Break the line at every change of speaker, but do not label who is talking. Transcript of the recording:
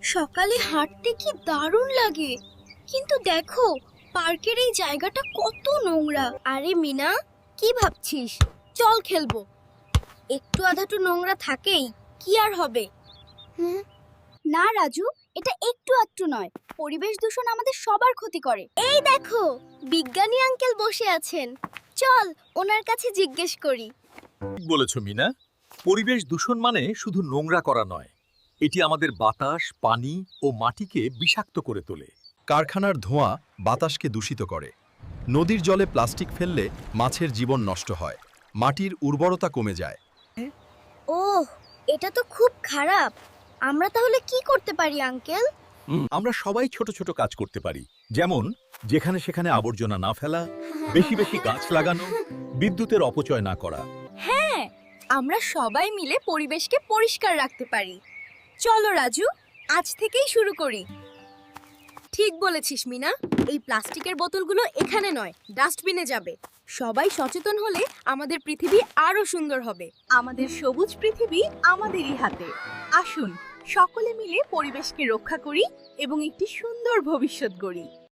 সকালে হাঁটতে কি দারুণ লাগে, কিন্তু দেখো পার্কের এই জায়গাটা কত নোংরা। আরে মিনা, কি ভাবছিস? চল খেলবো। একটু আধাটু নোংরা থাকেই, কি আর হবে। না রাজু, এটা একটু আধটু নয়, পরিবেশ দূষণ আমাদের সবার ক্ষতি করে। এই দেখো, বিজ্ঞানী আঙ্কেল বসে আছেন, চল ওনার কাছে জিজ্ঞেস করি।
ঠিক বলেছ মিনা। পরিবেশ দূষণ মানে শুধু নোংরা করা নয়, এটি আমাদের বাতাস, পানি ও মাটিকে বিষাক্ত করে তোলে।
কারখানার ধোঁয়া বাতাসকে দূষিত করে। নদীর জলে প্লাস্টিক ফেললে মাছের জীবন নষ্ট হয়, মাটির উর্বরতা কমে যায়।
ওহ, এটা তো খুব খারাপ। আমরা তাহলে কি করতে পারি আঙ্কেল?
আমরা সবাই ছোট ছোট কাজ করতে পারি, যেমন যেখানে সেখানে আবর্জনা না ফেলা, বেশি বেশি গাছ লাগানো, বিদ্যুতের অপচয় না করা।
হ্যাঁ, আমরা সবাই মিলে পরিবেশকে পরিষ্কার রাখতে পারি। চলো রাজু, আজ থেকেই শুরু করি। ঠিক বলেছিস মিনা, এই প্লাস্টিকের বোতলগুলো এখানে নয়, ডাস্টবিনে যাবে। সবাই সচেতন হলে আমাদের পৃথিবী আরো সুন্দর হবে।
আমাদের সবুজ পৃথিবী আমাদেরই হাতে। আসুন সকলে মিলে পরিবেশকে রক্ষা করি এবং একটি সুন্দর ভবিষ্যৎ গড়ি।